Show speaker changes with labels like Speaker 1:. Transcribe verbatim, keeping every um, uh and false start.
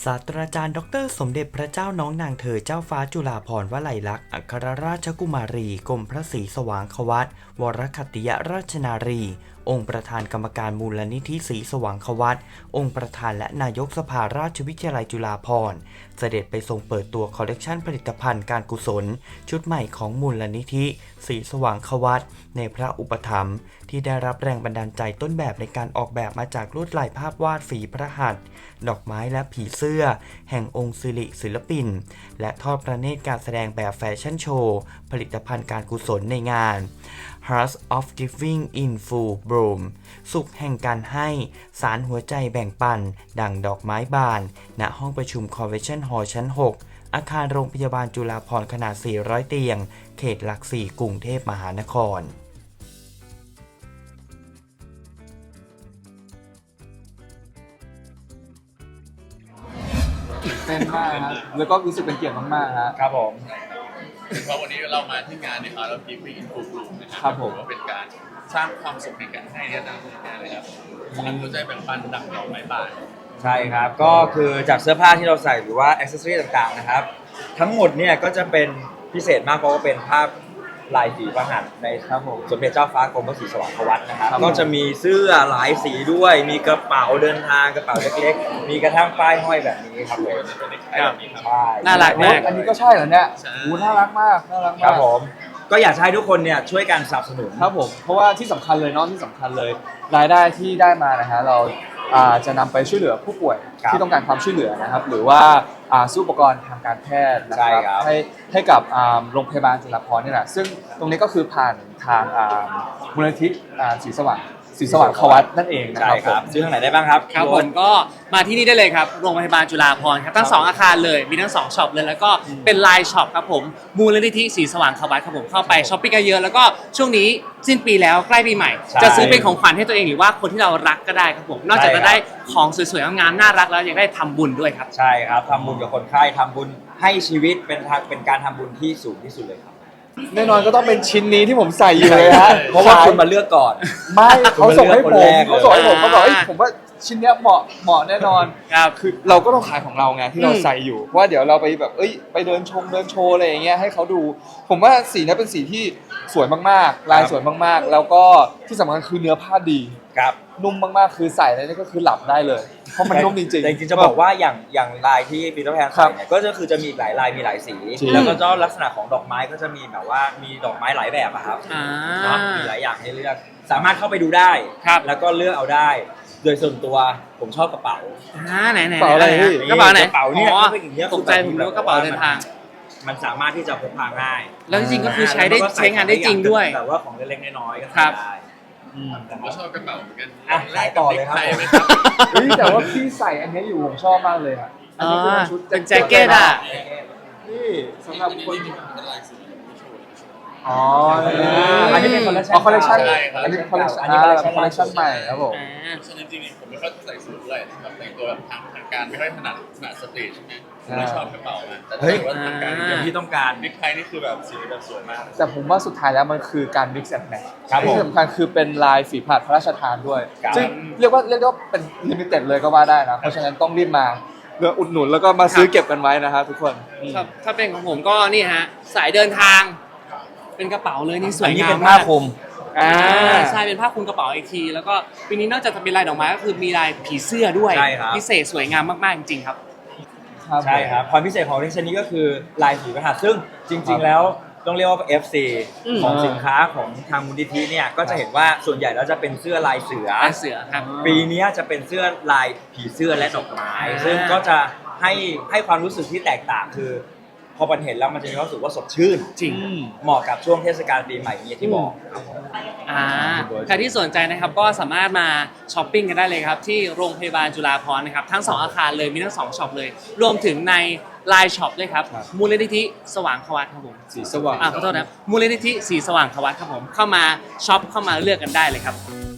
Speaker 1: ศาสตราจารย์ดรสมเด็จพระเจ้าน้องนางเธอเจ้าฟ้าจุฬาภรณ์วลัยลักษณ์อัครราชกุมารีกรมพระศรีสว่างควัตวรคัตติยราชนารีองค์ประธานกรรมการมูลนิธิศรีสว่างควัตองค์ประธานและนายกสภาราชวิทยาลัยจุฬาภรณ์เสด็จไปทรงเปิดตัวคอลเลกชันผลิตภัณฑ์การกุศลชุดใหม่ของมูลนิธิศรีสว่างควัตในพระอุปถัมภ์ที่ได้รับแรงบันดาลใจต้นแบบในการออกแบบมาจากลวดลายภาพวาดฝีพระหัตถ์ดอกไม้และผีเสื้อแห่งองค์สิริศิลปินและทอดพระเนตรการแสดงแบบแฟชั่นโชว์ผลิตภัณฑ์การกุศลในงาน Hearts of Giving in Full Bloom สุขแห่งการให้สารหัวใจแบ่งปันดั่งดอกไม้บานณห้องประชุม Convention Hall ชั้น หก อาคารโรงพยาบาลจุฬาภรณ์ขนาด สี่ร้อย เตียง เขตหลักสี่ กรุงเทพมหานคร
Speaker 2: เต้นมากครับแล้วก็รู้สึกเป็นเกียรติมากๆครับ
Speaker 3: ครับผม
Speaker 4: เพราะวันนี้เรามาที่งานเนี่ยเรากิฟต์อินฟูฟูนะค
Speaker 2: รั
Speaker 4: รั
Speaker 2: บบ ผม
Speaker 4: ว่าเป็นการสร้างความสุขในการให้เนี่ยนะเลยครับสารหัวใจแบ่งปันดังดอกไม้บาน
Speaker 3: ใช่ครับก็คือจากเสื้อผ้าที่เราใส่หรือว่าอ็อกเซสซอรี่ต่างๆนะครับทั้งหมดเนี่ยก็จะเป็นพิเศษมากเพราะว่าเป็นภาพลายฝีพระหัตถ์ในครับผมสมเด็จเจ้าฟ้ากรมพระศรีสว่างควัตนะครับก็จะมีเสื้อหลายสีด้วยมีกระเป๋าเดินทางกระเป๋าเล็กๆมีกระทั่งป้ายห้อยแบบนี้ครับผมใช่
Speaker 2: น่ารักมากอันนี้ก็ใช่เหรอเนี่ยโอ้น่ารักมากน่ารักมาก
Speaker 3: ครับผมก็อยากให้ทุกคนเนี่ยช่วยกันสนับสนุน
Speaker 2: ครับผมเพราะว่าที่สำคัญเลยเนาะที่สำคัญเลยรายได้ที่ได้มานะฮะเราจะนำไปช่วยเหลือผู้ป่วยที่ต้องการความช่วยเหลือนะครับหรือว่าซื้ออุปกรณ์ทางการแพทย์นะครับให้ให้กับโรงพยาบาลจุฬาภรณ์นี่แหละซึ่งตรงนี้ก็คือผ่านทางมูลนิธิศรีสว่างศรีสว่างควัตนั่นเองนะครับ
Speaker 3: ซื้อทางไหนได้บ้างครับ
Speaker 5: ครับผมก็มาที่นี่ได้เลยครับโรงพยาบาลจุฬาภรณ์ครับทั้งสองอาคารเลยมีทั้งสองช็อปเลยแล้วก็เป็นไลน์ช็อปครับผมมูลนิธิศรีสว่างควัตครับผมเข้าไปช้อปปิ้งกันเยอะแล้วก็ช่วงนี้สิ้นปีแล้วใกล้ปีใหม่จะซื้อเป็นของขวัญให้ตัวเองหรือว่าคนที่เรารักก็ได้ครับผมนอกจากจะได้ของสวยๆงามๆน่ารักแล้วยังได้ทำบุญด้วยครับ
Speaker 3: ใช่ครับทำบุญกับคนไข้ทำบุญให้ชีวิตเป็นทางเป็นการทำบุญที่สูงที่สุดเลยครับ
Speaker 2: แน่นอนก็ต้องเป็นชิ้นนี้ที่ผมใส่อยู่เลยฮะ
Speaker 3: เพราะว่าคุณมาเลือกก่อน
Speaker 2: ไม่เขาส่งให้ผมเขาส่งให้ผมเขาบอกเอ้ยผมว่าชิ้นเนี้ยเหมาะเหมาะแน่นอนคือเราก็ต้องขายของเราไงที่เราใส่อยู่เพราะว่าเดี๋ยวเราไปแบบเอ้ยไปเดินชมเดินโชว์อะไรอย่างเงี้ยให้เขาดูผมว่าสีนี้เป็นสีที่สวยมากๆลายสวยมากๆแล้วก็ที่สำคัญคือเนื้อผ้าดี
Speaker 3: ครับ
Speaker 2: นุ่มมากๆคือใส่แล้วนี่ก็คือหลับได้เลยเพราะมันนุ่มจริงๆ
Speaker 3: แต่จริงๆจะบอกว่าอย่างอย่างลายที่ปีเตอร์แพนใส่เนี่ยก็คือจะมีหลายลายมีหลายสีแล้วก็เจ้าลักษณะของดอกไม้ก็จะมีแบบว่ามีดอกไม้หลายแบบอะครับเนาะมีหลายอย่างให้เลือกสามารถเข้าไปดูได้แล้วก็เลือกเอาได้โดยส่วนตัวผมชอบกระเป๋า
Speaker 5: อ่าไหนไหน
Speaker 2: กระเป๋าอะไรพี่
Speaker 5: กระเป๋าไหน
Speaker 3: กระเป๋าเนี่ย
Speaker 5: ตกใจผมนึกว่ากระเป๋าเดินทาง
Speaker 3: มันสามารถที่จะพกพาง่าย
Speaker 5: แล้วจริงๆก็คือใช้ได้ใช้งานได้จริงด้วย
Speaker 3: แต่ว่าของเล็กๆน้อยๆก็
Speaker 5: ทำ
Speaker 3: ได้
Speaker 4: ผมก็ชอบกระเป๋าเหมือนกัน
Speaker 3: ขายต่อเลยครับ
Speaker 2: แต่ว่าพี่ใส่อันนี้อยู่ผมชอบมากเลยอ่ะ
Speaker 5: อันนี้เป็นชุดเป็นแจ็คเก็ตอ่ะ
Speaker 2: นี่สำหรับคนอ๋อ
Speaker 3: อันนี้เป็นคอลเลคชั่น
Speaker 2: คอลเลคชั่นอันนี้เป็นคอลเลคชั่นอันนี้เป็นคอลเลคชั่นใหม่ครับผม
Speaker 4: ฉะนั้นจริงๆผมไม่ค่อยใส่สูทเลยแบบแต่งตัวแบบทางทางการไม่ค่อยถนัดถนัดสตรีทใช่ไหมไม่ชอบกระเป๋ามันแต่ถ้าว่าทางการอย่างที่ต้องการบิ๊กไทนี่คือแบบสีแบบสวยมาก
Speaker 2: แต่ผมว่าสุดท้ายแล้วมันคือการ mix and match ที่สำคัญคือเป็นลายฝีพระหัตถ์พระราชทานด้วยซึ่งเรียกว่าเรียกว่าเป็น limited เลยก็ว่าได้นะเพราะฉะนั้นต้องรีบมาเลือกอุดหนุนแล้วก็มาซื้อเก็บกันไว้นะฮะทุกคน
Speaker 5: ครับถ้าเป็นของผมก็นี่ฮะสายเดินทางเป็นกระเป๋าเลยนี่สวยงามมาก
Speaker 3: อันนี้เป็นผ้าคลุม
Speaker 5: อ่าใช่เป็นผ้าคลุมกระเป๋าอีกทีแล้วก็ปีนี้นอกจากจะเป็นลายดอกไม้ก็คือมีลายผีเสื้อด้วยพิเศษสวยงามมากๆจริงๆครับ
Speaker 3: ใช่ครับความพิเศษของชิ้นนี้ก็คือลายฝีพระหัตถ์ซึ่งจริงๆแล้วต้องเรียกว่า เอฟ ซี ของสินค้าของทางมูลนิธิเนี่ยก็จะเห็นว่าส่วนใหญ่แล้วจะเป็นเสื้อลายเสือ
Speaker 5: ลายเสือครับ
Speaker 3: ปีนี้จะเป็นเสื้อลายผีเสื้อและดอกไม้ซึ่งก็จะให้ให้ความรู้สึกที่แตกต่างคือพอมันเห็นแล้วมันจะมีความรู้สึกว่าสดชื่น
Speaker 5: จริง
Speaker 3: เหมาะกับช่วงเทศกาลปีใหม่นี้ที่บอก
Speaker 5: อ่าใครที่สนใจนะครับก็สามารถมาช้อปปิ้งกันได้เลยครับที่โรงพยาบาลจุฬาภรณ์นะครับทั้งสองอาคารเลยมีทั้งสองช็อปเลยรวมถึงในไลน์ช็อปด้วยครับมูลนิธิสว่างควัตครับผม
Speaker 2: สีสว่าง
Speaker 5: อ่าขอโทษนะมูลนิธิสีสว่างควัตครับผมเข้ามาช็อปเข้ามาเลือกกันได้เลยครับ